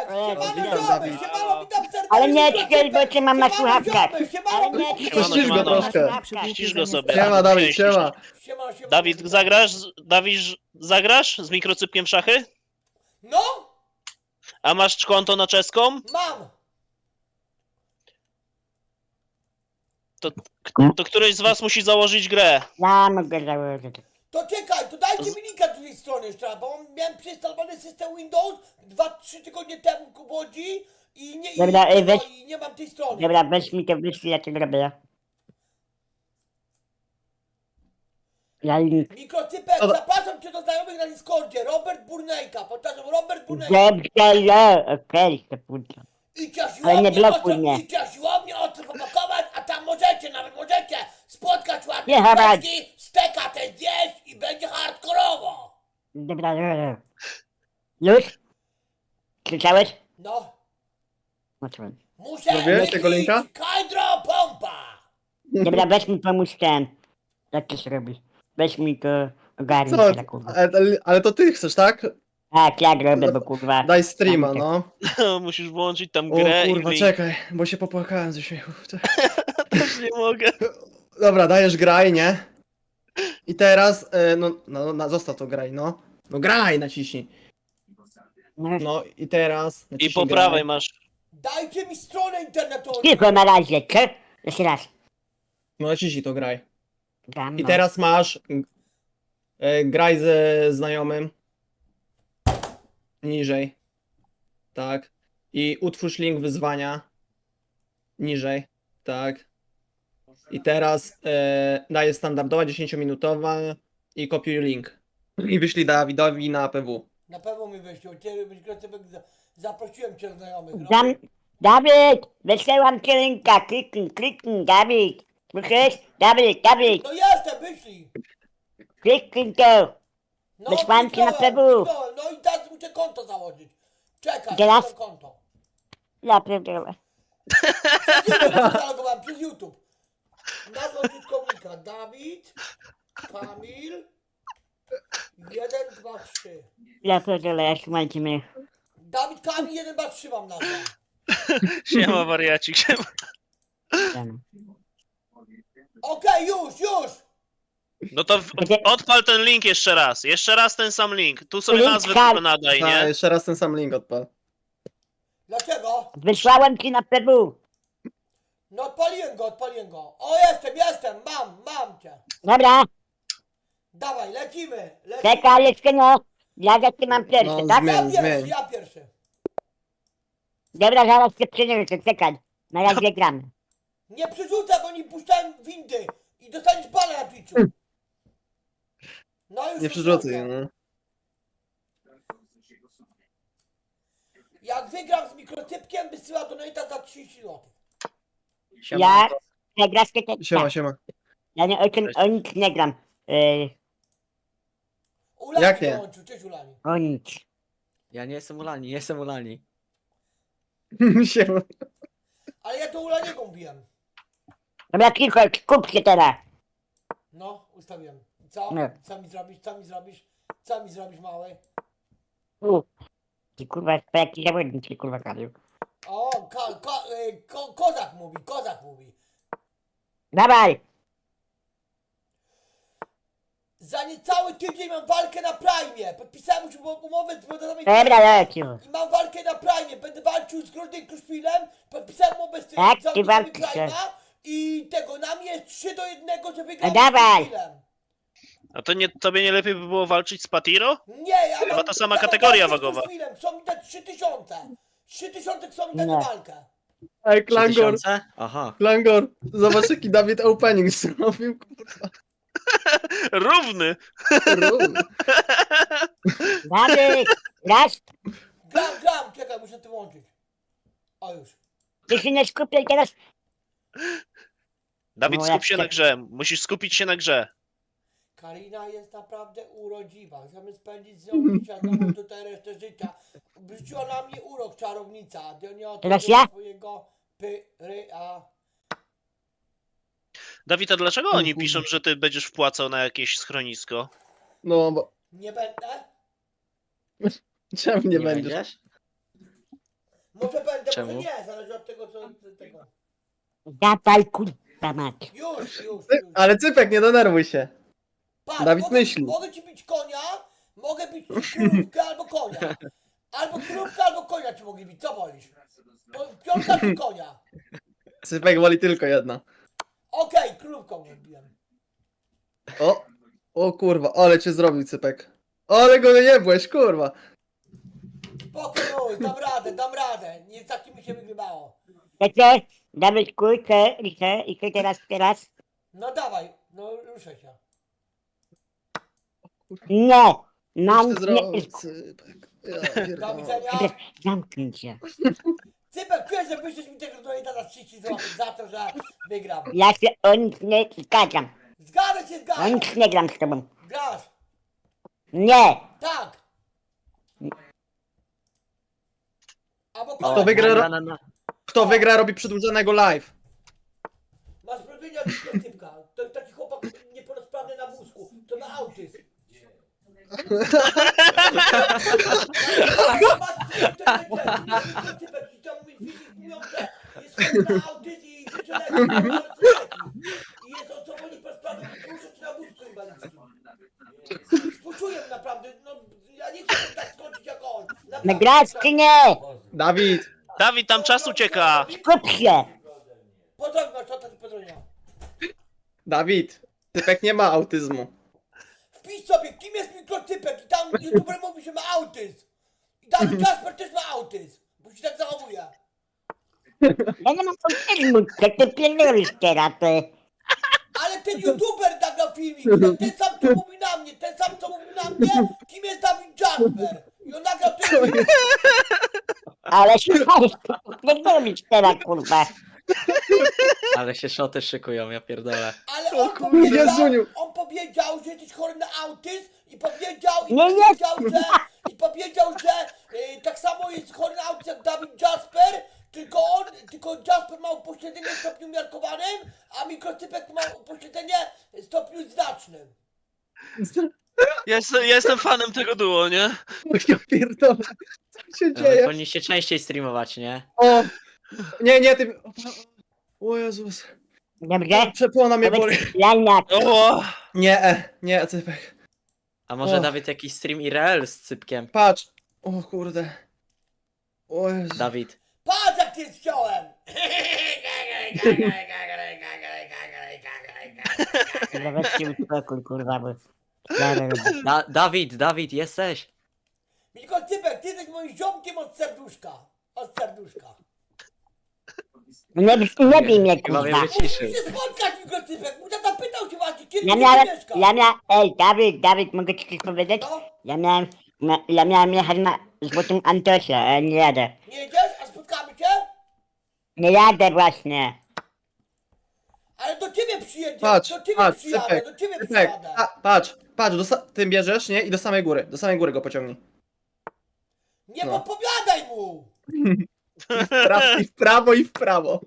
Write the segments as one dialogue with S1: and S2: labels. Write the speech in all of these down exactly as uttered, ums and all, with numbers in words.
S1: Siemano
S2: witam,
S1: ziomy,
S2: Dawid.
S1: siemano, witam serdecznie.
S3: Ale nie ćwiel, bo cię mam na
S1: Siemano
S3: słuchawkach.
S1: ziomy, siemano,
S3: Ale nie
S1: witam.
S3: ćwiel,
S2: Ścisz go troszkę.
S4: Ścisz go sobie.
S2: Siema, Dawid, siema.
S1: Siemano, siemano,
S4: Dawid,
S1: witam.
S4: zagrasz? Dawid, zagrasz z mikrocypkiem w szachy?
S1: No,
S4: A masz konto na czeską?
S1: mam.
S4: To, to któryś z was musi założyć grę.
S3: Ja mogę założyć.
S1: To czekaj, to dajcie mi linka do tej strony jeszcze raz, bo miałem przeinstalowany system Windows dwa trzy tygodnie temu ku Łodzi i nie, i,
S3: Dobra, ej,
S1: no,
S3: weź-
S1: i nie mam tej strony.
S3: Dobra, weź mi to wyślij, ja to zrobię. Ja link.
S1: Mikrocypek,
S2: Dobra.
S1: zapraszam cię do znajomych na Discordzie, Robert Burnejka, powtarzam, Robert Burnejka.
S3: Dobrze, ja, okej, to pójdę.
S1: Idźcie
S3: Ale nie
S1: siłownię,
S3: blokuj
S1: ostro,
S3: mnie.
S1: idźcie siłownię, ostro popakować, a tam możecie, nawet możecie spotkać ładne
S3: Nie, chodź.
S1: kubeczki, steka też zjeść i będzie hardkorowo.
S3: Dobra, dobra. Już? Krzyczałeś?
S1: No,
S3: Zobaczyłem.
S1: muszę
S2: Zrobiłeś tego
S1: wypić
S2: linka?
S1: Hydro pompa.
S3: Dobra, weź mi pomóż ten. Jak to się robi? Weź mi to ogarnij
S2: Co?
S3: się, kurwa.
S2: Ale, ale to ty chcesz, tak?
S3: Tak, jak robię, bo kurwa.
S2: Daj streama, no.
S4: Musisz włączyć tam
S2: O
S4: grę
S2: kurwa,
S4: i link.
S2: czekaj, bo się popłakałem ze śmiechu.
S4: Też nie mogę.
S2: Dobra, dajesz graj, nie? I teraz, e, no, no, no zostaw to graj, no. No graj, naciśnij.
S3: No,
S2: No i teraz
S4: I
S2: naciśnij
S4: po
S2: graj.
S4: prawej masz.
S1: Dajcie mi stronę internetową.
S3: cicho na razie, co? Jeszcze raz.
S2: No naciśnij to graj.
S3: Gram,
S2: I
S3: no.
S2: teraz masz e, graj ze znajomym. Niżej. Tak. I utwórz link wyzwania. Niżej. Tak. I teraz e, daję standardowa dziesięciominutowa i kopiuj link. I wyślij Dawidowi na P W.
S1: Na pewno mi wyślą, cię mikrocypek za, zaprosiłem cię do znajomych. No.
S3: Dam... Dawid! Wysyłam ci linka, kliknij, kliknij, Dawid! Słyszysz? Dawid, Dawid!
S1: No jestem, wyślij.
S3: Kliknij to!
S1: No,
S3: Wysłałem ci na
S1: kliknąłem,
S3: P W.
S1: kliknąłem. No i teraz muszę konto założyć. Czekaj,
S3: Teraz?
S1: to konto.
S3: Ja pierdolę.
S1: Przez YouTube zalogowałem, przez YouTube. Nazwa użytkownika Dawid, Kamil, jeden, dwa, trzy.
S3: Ja pierdolę, ja słuchajcie mnie.
S1: Dawid Kamil, jeden, dwa, trzy mam nazwę.
S4: Siema wariacik, siema.
S3: Ten.
S1: Okej, już, już.
S4: No to w, odpal ten link jeszcze raz. Jeszcze raz ten sam link. Tu sobie
S3: Link
S4: nazwę
S3: hal-
S4: tylko nadaj,
S2: A,
S4: nie?
S2: jeszcze raz ten sam link odpal.
S1: Dlaczego?
S3: Wysłałem ci na P W.
S1: No odpaliłem go, odpaliłem go. O, jestem, jestem, mam, mam cię.
S3: Dobra,
S1: Dawaj, lecimy, lecimy.
S3: czekaj, jeszcze nie. Ja za ty mam pierwszy,
S2: No,
S3: tak?
S2: zmień.
S1: Ja pierwszy,
S2: zmień.
S1: ja pierwszy.
S3: Dobra, zaraz cię przyniosę, czekaj. Na razie gramy.
S1: Nie przerzucaj, bo nie puszczałem windy i dostaniesz bana na Twitchu. No już
S2: Nie
S1: to
S2: przerzucaj,
S1: zrobię.
S2: no.
S1: Jak wygram z mikrotypkiem, wysyła donate'a za trzydzieści złotych.
S3: Ja przegrasz tylko...
S2: Siema,
S3: tak.
S2: siema.
S3: Ja nie, o, tym, o nic nie gram. Yy,
S1: Ulani
S2: Jak nie?
S1: dołączył, cześć Ulani.
S3: o nic.
S5: Ja nie jestem Ulani, jestem Ulani.
S2: Siema.
S1: Ale ja to Ulaniego mówiłem.
S3: Dobra, cicho, skup się teraz.
S1: No, ustawiłem. Co?
S3: Nie.
S1: Co mi zrobisz, co mi zrobisz? Co mi zrobisz, mały?
S3: U. Ty kurwa, to jaki zawodnik ci kurwa karił.
S1: O, ko, ko, y, ko, kozak mówi, kozak mówi.
S3: Dawaj!
S1: Za niecały tydzień mam walkę na Prime. Podpisałem już umowę z Wodorowym.
S3: Dobra, leciu.
S1: I mam walkę na Prime. Będę walczył z Groźnym Kruszwilem. Podpisałem umowę z tym
S3: Tak, ty
S1: zawodnikiem
S3: walczysz.
S1: Prime'a. I tego, na mnie jest trzy do jednego, że wygram
S3: No dawaj.
S1: z Kruszwilem.
S4: A to nie, tobie nie lepiej by było walczyć z Patiro?
S1: Nie, ja
S4: Chyba
S1: mam,
S4: ta sama
S1: ja mam
S4: kategoria
S1: walkę z
S4: wagowa.
S1: Kruszwilem. Są mi te trzy tysiące. trzy tysiące są mi dać
S3: Nie.
S1: za walkę.
S2: Ej,
S5: trzy
S2: Klangor,
S5: tysiące? Aha.
S2: Klangor, zobacz jaki Dawid opening zrobił, kurwa.
S4: Równy!
S2: Równy.
S3: Dawid! Raz!
S1: Gram, gram, czekaj, muszę to włączyć. O już.
S3: Ty się nie skupiaj teraz.
S4: Dawid,
S3: No,
S4: skup
S3: jak
S4: się
S3: ty-
S4: na grze. Musisz skupić się na grze.
S1: Karina jest naprawdę urodziwa. Chcemy spędzić z nią dzisiaj znowu tutaj resztę życia. Wrzuciła na mnie urok czarownica. Do nie
S3: Teraz ja?
S1: swojego pyry, a...
S4: Dawid, a dlaczego oni
S2: kurwa.
S4: piszą, że ty będziesz wpłacał na jakieś schronisko?
S2: No, bo
S1: Nie będę?
S2: czemu nie, będziesz?
S1: Może będę,
S5: Czemu?
S1: może nie, zależy od tego, co tego.
S3: Dawaj kurwa mać.
S1: Już, już,
S2: Ty-
S1: już.
S2: Ale Cypek, nie denerwuj się.
S1: Patrz,
S2: Dawid
S1: mogę,
S2: myśli.
S1: mogę ci bić konia, mogę bić ci krówkę albo konia. Albo krówkę, albo konia ci mogę bić, co wolisz? Po- Piątka czy konia?
S2: Cypek woli tylko jedna.
S1: Okej, krówką go biłem.
S2: O! O kurwa, ale cię zrobił Cypek. Ale go nie byłeś, kurwa.
S1: Spokój, dam radę, dam radę. Nie z takimi się wygrywało.
S3: Wiecie? Dawid kurczę, i co? I co teraz, teraz?
S1: No dawaj, no ruszę się.
S3: Nie! Mam
S2: Coś ty
S3: nie...
S2: zrobił, Cypek. Ja
S1: Do
S2: pierdolę.
S1: widzenia.
S3: Zamknij się.
S1: Cypek, czujesz, że wyszłeś mi tego donata za trzydzieści złotych za to, że wygram.
S3: Ja się o nic nie zgadzam.
S1: Zgadza się,
S3: O
S1: zgadza.
S3: nic nie gram z tobą.
S1: Grasz.
S3: Nie!
S1: Tak. Albo
S5: O,
S1: konia.
S2: Kto wygra,
S5: na,
S2: ro-
S5: na, na.
S2: Kto wygra, robi przedłużonego live.
S1: Masz prowienia od Cypka. To jest taki chłopak niepełnosprawny na wózku. To ma autyzm. Cypek i tam mój filmik mówią, że jest chory na autyzm i że leki, i jest osobą niepełnosprawną i poruszać na wózku inwalidzkim. Współczuję naprawdę, no ja nie chcę tak skończyć jak on. Naprawdę.
S3: Nagrać czy nie?
S2: Dawid,
S4: Dawid, tam czas ucieka.
S3: Skup się!
S1: Pozdrowiam was, co to ci pozdrowienia.
S2: Dawid. Cypek nie ma autyzmu.
S1: Wpisz sobie, kim jest mikrocypek i tam youtuber mówi, że ma autyzm. I Dawid Jasper też ma autyzm, bo się tak zachowuje.
S3: Ja nie mam autyzmu, co ty pierdolisz teraz, ty?
S1: Ale ten youtuber nagrał filmik, ten, ten sam co mówi na mnie, ten sam co mówi na mnie, kim jest Dawid Jasper. I on nagrał ten filmik.
S3: Ale się pierdolisz teraz, kurwa.
S5: Ale się szoty szykują, ja pierdolę.
S1: Ale on
S2: kurde,
S1: powiedział,
S2: Jezuniu.
S1: on powiedział, że jesteś chory na autyzm i powiedział, i
S3: Nie
S1: powiedział, że, i powiedział, że y, tak samo jest chory na autyzm jak Dawid Jasper, tylko on, tylko Jasper ma upośledzenie w stopniu umiarkowanym, a mikrocypek ma upośledzenie w stopniu znacznym.
S4: Ja jestem, ja jestem fanem tego duo, nie?
S2: Ja pierdolę. Co się
S5: E,
S2: dzieje?
S5: Powinniście częściej streamować, nie?
S2: O! Nie, nie, ty... O Jezus.
S3: Dobrze?
S2: Przepłona mnie boli.
S3: Powiedz Laniak.
S4: O!
S2: Nie, e, nie, Cypek.
S5: A może
S2: O.
S5: Dawid jakiś stream I R L z Cypkiem?
S2: Patrz. O kurde. O Jezu.
S5: Dawid.
S1: Patrz jak ty chciałem!
S3: Kurwa, weź się uspokój, kurwa, bo... Ja nie lubię.
S5: Da Dawid, Dawid, jesteś?
S1: Mikrocypek, ty jesteś moim ziomkiem od serduszka. Od serduszka.
S3: Nie, nie bij mnie,
S5: Chyba mnie
S3: kurwa.
S5: wyciszył.
S1: Musimy się spotkać, mikrocypek. Mój tata pytał się właśnie, kiedy
S3: Ja
S1: ty
S3: miałem,
S1: mieszkasz.
S3: ja miałem, ej, Dawid, Dawid, mogę ci coś powiedzieć?
S1: No,
S3: Ja miałem, na, ja miałem jechać na Złotym Antosie, ale nie jadę.
S1: nie jedziesz, a spotkamy się?
S3: Nie jadę właśnie.
S1: Ale do ciebie przyjedzie,
S2: Patrz,
S1: do ciebie
S2: patrz,
S1: przyjadę,
S2: Cypek,
S1: do ciebie
S2: Cypek.
S1: przyjadę.
S2: A, patrz, patrz, do sa- ty bierzesz, nie? I do samej góry, do samej góry go pociągnij.
S1: Nie
S2: no.
S1: podpowiadaj mu!
S2: W prawo, i w prawo, i w prawo.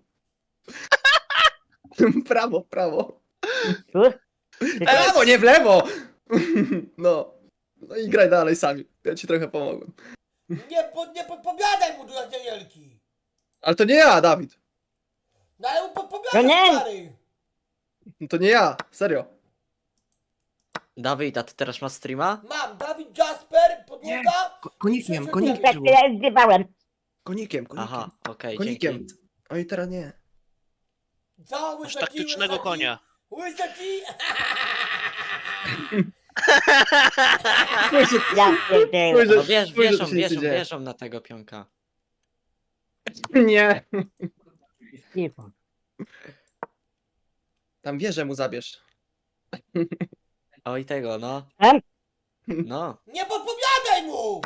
S2: Prawo, prawo.
S3: Tu?
S2: W prawo, nie w lewo! No. No i graj dalej sami. Ja ci trochę pomogłem.
S1: Nie, pod, nie podpowiadaj mu do Danielki.
S2: Ale to nie ja, Dawid.
S1: No ale mu
S3: To
S1: podpowiadaj,
S3: nie.
S1: stary.
S2: No to nie ja, serio.
S5: Dawid, a ty teraz masz streama?
S1: Mam Dawid Jasper, podłoga.
S2: Ko- konikiem,
S1: i
S2: konikiem.
S3: Tak, ja zgrywałem.
S2: Konikiem, konikiem.
S5: Aha, okej,
S2: Konikiem.
S5: dzięki.
S2: Oj, teraz nie.
S1: Za
S4: Masz
S1: łysa ci,
S4: taktycznego
S1: łysa ci,
S4: konia.
S1: Łysa ci.
S3: Ja pierdolę.
S2: Spójrz,
S5: No wiesz,
S2: spójrz, co
S5: wierzą,
S2: się nic nie
S5: wierzą,
S2: dzieje.
S5: wierzą na tego pionka.
S2: Nie.
S3: Cicho.
S2: Tam wieżę mu zabierz.
S5: Oj tego, no.
S3: Em?
S5: No.
S1: Nie podpowiadaj mu!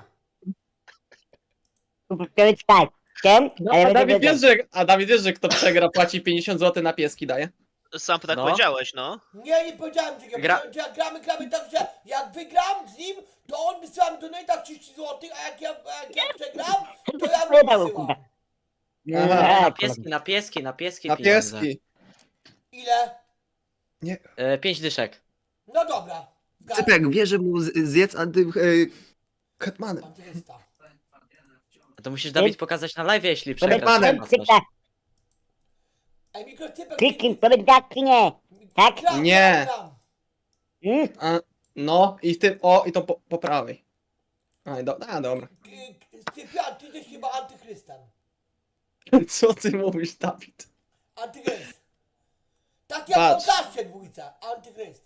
S3: To jest tak. Ten,
S2: No,
S3: ale
S2: a,
S3: będę
S2: Dawid
S3: wiedział.
S2: wiesz, że, a Dawid wiesz, że kto przegra płaci pięćdziesiąt złotych na pieski daje?
S4: Sam tak
S5: No.
S4: powiedziałeś, no.
S1: Nie, nie powiedziałem tego.
S5: Gra-
S1: Powiedziałem, że jak gramy, gramy tak, że jak wygram z nim, to on wysyła mi donata trzydzieści złotych, a jak ja, a jak ja przegram, to ja mu
S3: Wydał,
S1: wysyłam.
S3: kurwa.
S2: Aha.
S5: Na
S3: Nie,
S5: pieski, na pieski, na pieski
S2: Na
S5: pieniądze.
S2: pieski.
S1: Ile?
S5: E, pięć dyszek.
S1: No dobra. Zgadzam.
S2: Cypek, wierzę mu z- zjedz anty... Yy, Hetmanem.
S1: Antyrysta.
S5: To musisz Dawid pokazać na live, jeśli
S3: Powiedz
S5: przegrasz.
S2: panem.
S5: masz.
S3: Cyka,
S1: Ej, mikrocypek...
S3: kliknij, powiedz tak czy nie. Tak?
S1: Gram,
S2: Nie.
S1: gram, gram.
S3: Hmm?
S2: A, no i w tym, o i to po, po prawej. A, i do, a dobra.
S1: K- Cyprian, ty jesteś chyba antychrystem.
S2: Co ty mówisz, Dawid?
S1: Antychryst. Tak jak
S2: Patrz.
S1: pokażcie dwójce. Antychryst.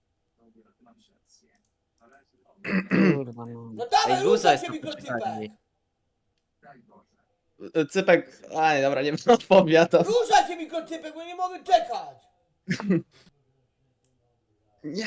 S3: Kurwa, no.
S1: No dawaj,
S5: Ej, luza
S1: ruszaj
S5: jest
S1: się
S5: na
S1: mikrocypek.
S5: poczekalni.
S2: Cypek, a dobra, nie odpowiadam.
S1: Ruszaj się mikrocypek, bo nie mogę czekać.
S2: Nie.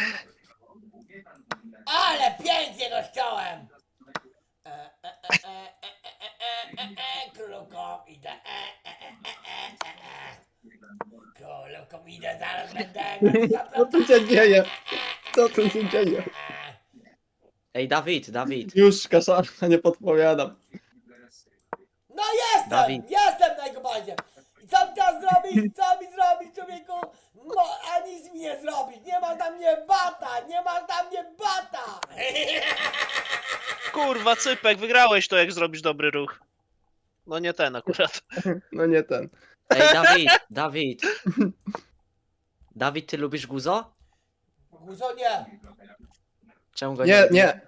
S1: Ale pięknie go ściąłem. E, e, e, e, e, e, e, e, e, Królówką idę. E, e, e, e, e, e, e. Królówką idę, zaraz będę.
S2: Co tu się dzieje? Co tu się dzieje?
S5: Ej, Dawid, Dawid.
S2: Już kaszanka, nie podpowiadam.
S1: No jestem,
S5: Dawid.
S1: jestem na jego bazie. I co mi teraz zrobić? Co mi zrobić, człowieku? No, a nic mi nie zrobić. Nie masz na mnie bata, nie masz na mnie bata.
S4: Kurwa, Cypek, wygrałeś to, jak zrobisz dobry ruch. No nie ten akurat.
S2: No nie ten.
S5: Ej, Dawid, Dawid. Dawid, ty lubisz guzo?
S1: Guzo nie.
S5: Czemu go nie
S2: Nie,
S5: lubisz?
S2: nie.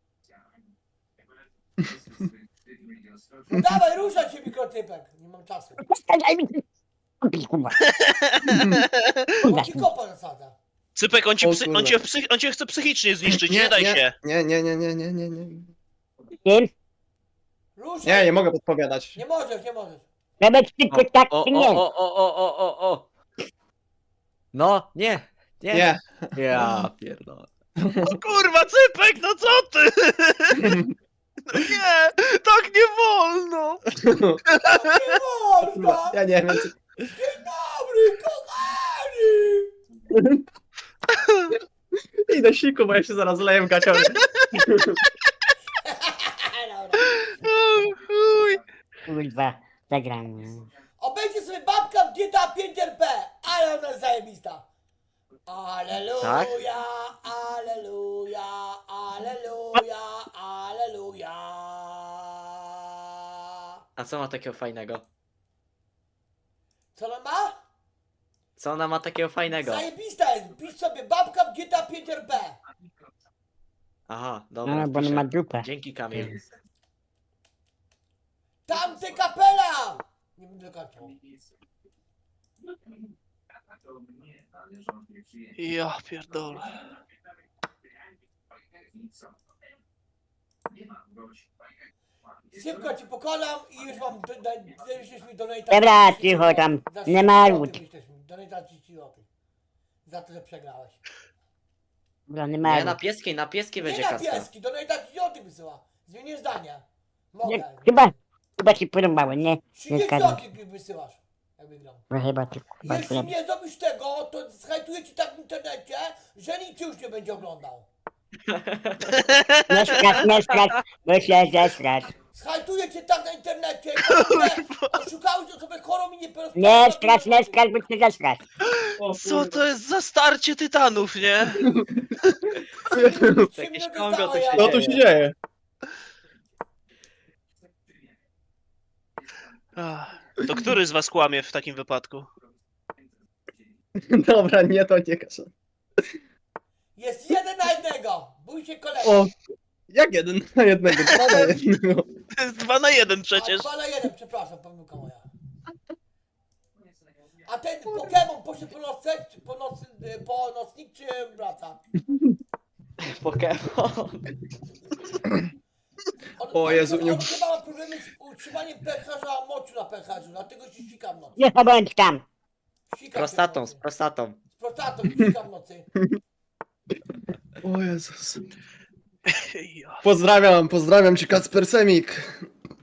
S1: No dawaj, ruszaj się mikrotypek. Nie mam czasu.
S3: Daj mi. Kurwa.
S1: Bo ci kopa zasadza.
S4: Cypek, on, ci
S2: O
S4: psy, on,
S2: kurwa.
S4: cię psych, on cię chce psychicznie zniszczyć, nie, daj
S2: nie,
S4: się.
S2: Nie, nie, nie, nie, nie, nie, nie.
S3: Kim?
S1: Ruszaj.
S2: Nie, nie mogę podpowiadać.
S1: Nie możesz, nie możesz.
S3: Powiedz tylko tak
S5: O,
S3: czy
S5: o,
S3: nie.
S5: o, o, o, o, o, o. No, nie, nie.
S2: Nie.
S5: Ja pierdolę.
S4: O kurwa, Cypek, no co ty? No nie, tak nie wolno.
S1: Nie można.
S2: Ja nie wiem. czy-
S1: Dzień dobry, kochani.
S2: Idę siku, bo ja się zaraz leję w gaciorze.
S1: Dobra.
S4: O chuj.
S3: Kurwa, zagram.
S1: Obejdzie sobie babka w G T A pięć R P, ale ona jest zajebista. Aleluja,
S5: Tak?
S1: aleluja, aleluja, aleluja.
S5: A co ma takiego fajnego?
S1: Co ona ma?
S5: Co ona ma takiego fajnego?
S1: Zajebista jest, pisz sobie babka w G T A pięć R P.
S5: Aha, dobra.
S3: No, bo on
S5: piszę.
S3: ma dupę.
S5: Dzięki, Kamil.
S1: Tamte kapela! Nie będę kończył.
S4: Ja pierdolę.
S1: Szybko ci pokonam i już mam, do- do- już mi donata.
S3: Dobra, cicho tam, nie marudź.
S1: Donata trzydzieści złotych. Za to, że przegrałeś.
S3: Dobra, nie
S5: Nie,
S3: ma.
S5: na pieskiej, na pieskiej
S1: Nie
S5: będzie
S1: na
S5: kaska.
S1: pieski, donata trzydzieści złotych wysyła. Zmienię zdanie.
S3: Nie,
S1: Mogę.
S3: chyba, chyba ci podobało, nie? Nie
S1: trzydzieści
S3: zgadzam.
S1: złotych wysyłasz, jak wygram.
S3: No chyba ci chyba
S1: Jeśli
S3: podoba.
S1: nie zrobisz tego, to zhajtuję ci tak w internecie, że nikt cię już nie będzie oglądał.
S3: Nie strasz, nie strasz, bo się zesrasz.
S1: Zhajtuję cię tak na internecie, że oszukałeś osobę chorą i niepełnosprawną.
S3: Nie strasz, nie strasz, bo się zesrasz.
S4: Co to jest za starcie tytanów, nie?
S1: Trzy
S5: Jakieś
S1: minuty
S5: Kongo
S1: stało,
S5: to się
S1: ja-
S2: Co tu się dzieje?
S4: Ach, to który z was kłamie w takim wypadku?
S2: Dobra, nie, to nie kaszan.
S1: Jest jeden na jednego. Bój się kolegi.
S2: O, jak jeden na jednego, dwa na jednego.
S4: To jest dwa na jeden
S1: A
S4: przecież.
S1: dwa na jeden, przepraszam, pomyłka moja. A ten Pokémon poszedł po nocek, czy po, noc, po nocnik, czy wraca?
S5: Pokémon.
S1: On,
S2: O
S1: on,
S2: Jezu,
S1: on,
S2: nie-
S1: on chyba ma problemy z utrzymaniem pęcherza moczu na pęcherzu, dlatego się ścika w nocy.
S3: Nie bądź tam.
S1: Ścika się w
S5: Prostatą, z
S1: nocy.
S5: prostatą.
S1: Z prostatą ścika w nocy.
S2: O Jezus.
S4: Ja.
S2: Pozdrawiam, pozdrawiam cię, Kacper Semik.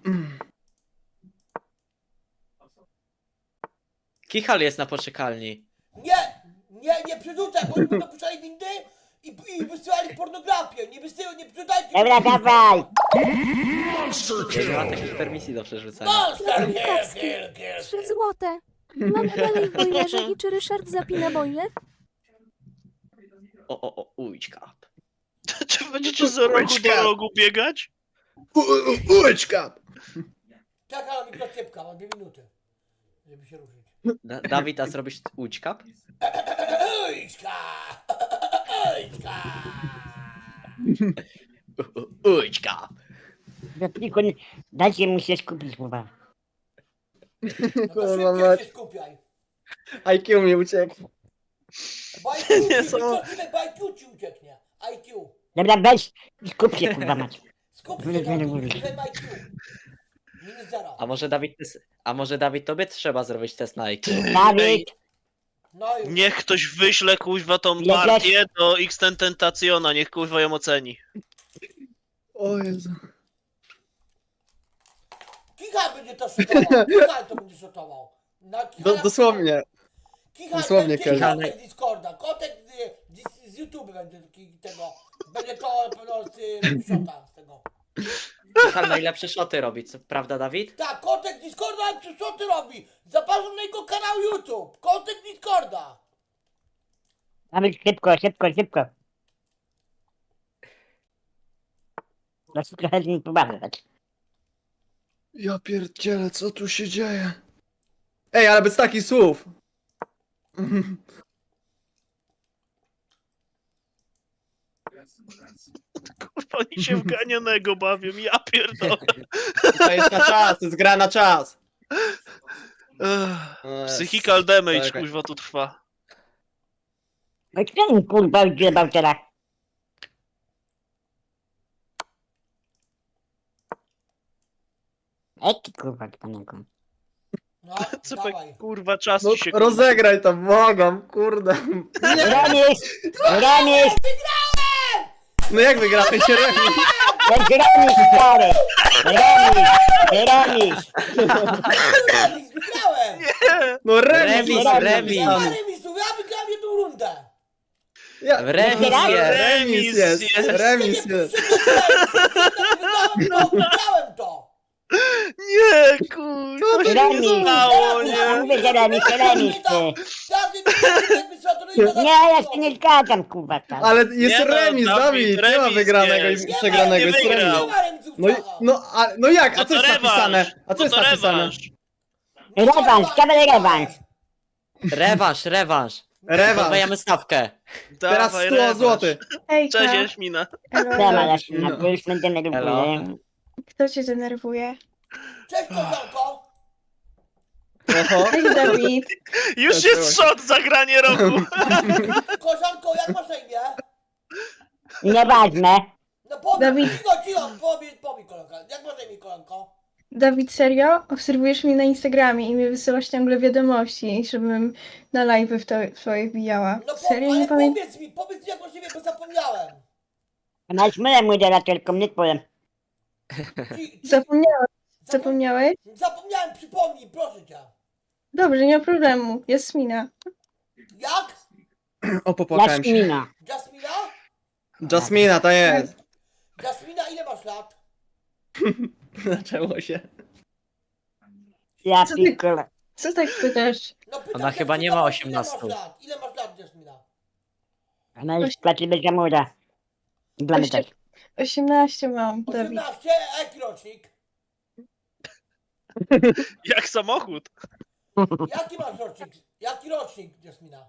S5: Kichal jest na poczekalni.
S1: Nie, nie, nie przerzucaj, bo oni będą puszczali windy i, i wysyłali pornografię. Nie wysyłaj, nie przerzucajcie.
S3: Dobra, dawaj.
S5: Ja nie ma takich permisji do przerzucania.
S1: Monster, kill, kill, kill.
S6: Trzy złote. Mam dalej w boilerze i czy Ryszard zapina boiler?
S5: O, o, o, ujczka.
S4: Czy będziecie z rogu do rogu biegać?
S2: U- u- Ułeczka!
S1: Czekam na mikrociepka, mam dwie minuty, żeby się ruszyć.
S5: Da Dawid, a zrobisz łódźka?
S1: Ojczka! Ojczka!
S5: Łódźka!
S3: Tylko dajcie mu się skupić, kurwa.
S1: No to
S2: Kurwa
S1: szybciej
S2: mać.
S1: się skupiaj.
S2: I Q mi uciekł.
S1: Bo I Q
S4: Nie
S1: ci,
S4: są-
S1: wykończymy, bo I Q ci ucieknie. I Q.
S3: Dobra, weź i skup się, kurwa mać.
S1: Skup się
S3: Wyle-
S1: na
S3: wyle-
S1: tym,
S3: wyle.
S1: ten I Q. Minus zero.
S5: A może Dawid, ty s- a może Dawid, tobie trzeba zrobić test na I Q?
S3: Dawid,
S1: No już.
S4: Niech ktoś wyśle kuźwa tą
S3: Ile
S4: partię do X-Tentaciona, niech kuźwa ją oceni.
S2: O Jezu.
S1: Kichal będzie to szotował. Kichal to będzie szotował. Na
S2: Do,
S1: Kichala-
S2: dosłownie.
S1: Kichal
S2: dosłownie
S1: będzie
S2: Kichal.
S1: kotek z Discorda. Kotek z, z, z YouTube będzie taki- tego. Będzie to na pewno z y, szota z tego.
S5: Michał najlepsze szoty robi, co prawda Dawid?
S1: Tak, kotek z Discorda, co ty robi? Zapraszam na jego kanał YouTube. Kotek z Discorda.
S3: Dawid, szybko, szybko, szybko. Proszę trochę z nim pobawić.
S2: Ja pierdzielę, co tu się dzieje? Ej, ale bez takich słów.
S4: Kurwa, oni się w ganianego bawią, ja pierdolę.
S2: To jest na czas, to jest gra na czas.
S4: Ech,
S2: O Jezu.
S4: Psychical damage,
S2: Czekaj.
S4: kuźwa, tu trwa.
S3: No kto mi kurwa odjebał teraz? Eki kurwa panego.
S1: No,
S4: Cypek,
S1: dawaj.
S4: kurwa, czas
S2: No,
S4: ci się... kurwa.
S2: rozegraj to, błagam, kurde.
S3: Remis! Remis!
S2: No jak wygramy się remis?
S3: To jest remis, stary! Remis! Remis!
S1: Remis, wygrałem!
S2: No remis,
S5: Remis,
S2: no,
S5: remis.
S1: Nie ma
S2: napisane.
S1: remisu, ja wygrałem jedną rundę.
S2: Ja,
S5: Remis
S2: no,
S5: jest.
S2: remis jest,
S4: Remis jest.
S2: remis jest.
S1: Wygrałem to, wygrałem to.
S4: Nie, kurwa, się nie
S3: Remis!
S4: stało,
S3: Ja
S4: nie?
S3: mówię, że remis, to remis, ty! Nie, ja się nie zgadzam, kurwa, tam.
S2: Ale jest
S4: Nie no,
S2: remis,
S4: Dawid,
S2: Dawid, nie ma
S4: remis
S2: wygranego
S4: jest.
S2: i przegranego, jest
S4: nie wygrał.
S2: remis. No, i- no, a, no jak, a
S4: No
S2: co
S4: to
S2: jest napisane?
S4: rewanż,
S2: A co
S4: no
S2: jest
S4: to
S2: napisane?
S4: rewanż.
S3: Rewanż, dawaj rewanż!
S5: Rewanż, rewanż.
S2: Rewanż.
S5: Podwajamy stawkę.
S2: Teraz
S4: Dawaj,
S2: sto
S4: rewanż.
S2: złotych.
S7: Hejka,
S4: Cześć, Jaśmina.
S3: Siema, Jaśmina,
S2: No.
S3: bo już mnie denerwuje.
S7: kto cię denerwuje?
S1: Cześć, koleżanko.
S2: Oho.
S7: Cześć Dawid.
S4: Już
S2: Tak,
S4: jest shot zagranie roku.
S1: Koleżanko, jak masz na imię?
S3: Nieważne.
S1: No powiedz,
S7: Dawid.
S1: cicho, cicho, powiedz, powiedz, koleżanko. Jak masz na imię, koleżanko?
S7: Dawid, serio? Obserwujesz mnie na Instagramie i mi wysyłasz ciągle wiadomości, żebym na live w, to, w twoje wbijała.
S1: No po,
S7: Serio?
S1: ale
S7: Nie pamiętam.
S1: powiedz mi, powiedz mi, jak masz na imię, bo zapomniałem.
S3: Masz mylę moderatorką, nie powiem.
S1: Ci, ci,
S7: Zapomniałeś?
S1: zapom-
S7: Zapomniałeś?
S1: Zapomniałem, przypomnij, proszę cię.
S7: Dobrze, nie ma problemu. Jasmina.
S1: Jak?
S2: O, popłakałem się.
S3: Jaśmina.
S1: Jasmina?
S2: Jasmina, to jest.
S1: Jasmina, ile masz lat?
S2: Zaczęło się.
S3: Ja
S7: Co ty-
S3: pikole.
S7: Co tak pytasz?
S1: No pytam
S5: Ona
S1: cię,
S5: chyba
S1: czy
S5: nie
S1: to
S5: ma
S1: masz-
S5: osiemnastu.
S1: Ile masz lat? Ile masz lat, Jasmina?
S3: Ona już płaci bez zamura. Dla mnie też.
S7: osiemnaście mam, Dawid.
S1: osiemnaście, a jaki rocznik?
S4: Jak samochód.
S1: Jaki masz rocznik? Jaki rocznik, Jasmina?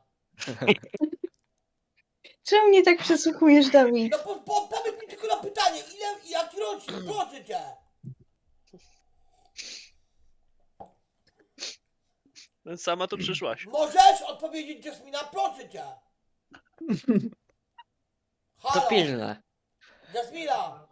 S7: Czemu mnie tak przesłuchujesz, Dawid?
S1: No po, po, powiedz mi tylko na pytanie, ile, jaki rocznik, proszę cię.
S4: Sama tu przyszłaś.
S1: Możesz odpowiedzieć, Jasmina, proszę cię.
S5: To
S1: Halo,
S5: pilne.
S1: Jasmina,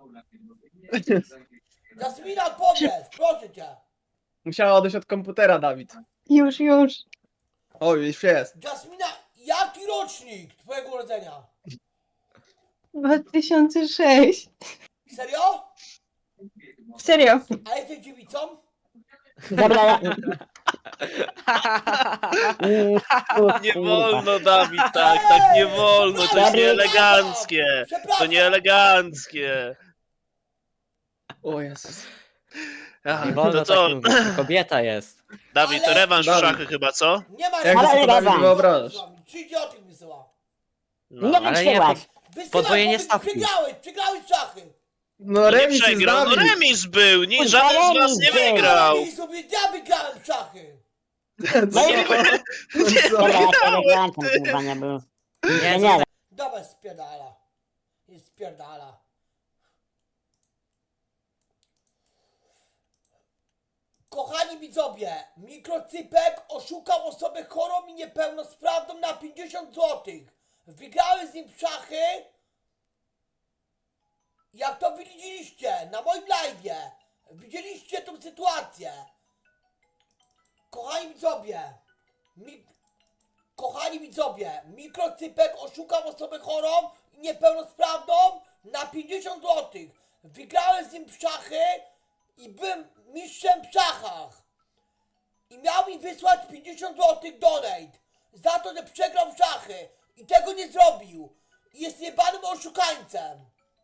S1: Jasmina, odpowiedz, proszę cię.
S2: Musiała odejść od komputera, Dawid.
S7: Już, już.
S2: O, już jest.
S1: Jasmina, jaki rocznik twojego urodzenia?
S7: dwa tysiące sześć.
S1: Serio?
S7: Serio.
S1: A jesteś dziewicą?
S3: Dobra, ja...
S4: Nie wolno, Dawid, tak, tak nie wolno, to jest nieeleganckie. To nieeleganckie.
S2: O Jezus.
S4: Ach,
S5: Nie wolno
S4: to co?
S5: tak mówić, to kobieta jest.
S4: Dawid, to rewanż w
S2: Dawid.
S4: szachy chyba, co?
S1: Nie ma
S2: Jak
S3: Ale
S2: to sobie Dawid
S3: rewanż.
S2: wyobrażasz?
S1: Trzy idioty wysyła.
S5: No,
S3: Nie
S5: ale nie,
S3: wysyłasz.
S5: pod,
S1: Wysyła,
S5: Podwojenie
S1: powiedz,
S5: stawki.
S1: Przegrałeś, przegrałeś szachy.
S2: No
S4: No nie
S2: remis jest
S4: przegrał, no
S2: Dawid.
S4: remis był, nie,
S3: Kurwa,
S4: żaden z was
S3: remis
S4: nie
S3: był.
S4: wygrał.
S1: I sobie ja wygrałem w szachy.
S3: No i
S2: Co?
S3: dobra, ja tego wyłączam, kurwa, nie było.
S5: Nie,
S3: Nie, nie,
S1: Dawaj spierdala. Jest spierdala. Kochani widzowie, mikrocypek oszukał osobę chorą i niepełnosprawną na pięćdziesiąt złotych. Wygrałem z nim w szachy. Jak to widzieliście na moim live'ie. Widzieliście tą sytuację. Kochani widzowie, mi... Kochani widzowie, mikrocypek oszukał osobę chorą i niepełnosprawną na pięćdziesiąt złotych. Wygrałem z nim w szachy i byłem mistrzem w szachach. I miał mi wysłać pięćdziesiąt złotych donate za to, że przegrał w szachy i tego nie zrobił. I jest jebanym oszukańcem.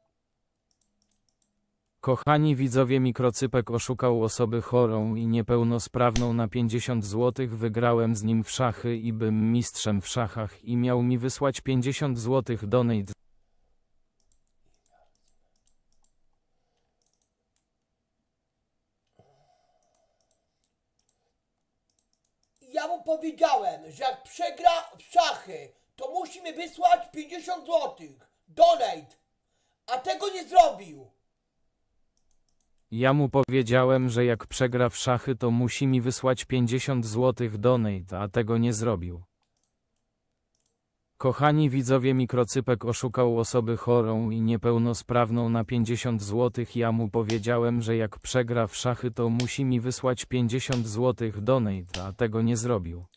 S8: Kochani widzowie, mikrocypek oszukał osobę chorą i niepełnosprawną na pięćdziesiąt złotych. Wygrałem z nim w szachy i bym mistrzem w szachach i miał mi wysłać pięćdziesiąt złotych donate.
S1: I ja mu powiedziałem, że jak przegra w szachy, to musi mi wysłać pięćdziesiąt złotych donate. A tego nie zrobił.
S8: Ja mu powiedziałem, że jak przegra w szachy, to musi mi wysłać pięćdziesiąt złotych donate, a tego nie zrobił. Kochani widzowie, mikrocypek oszukał osobę chorą i niepełnosprawną na pięćdziesiąt złotych. Ja mu powiedziałem, że jak przegra w szachy, to musi mi wysłać pięćdziesiąt złotych donate, a tego nie zrobił.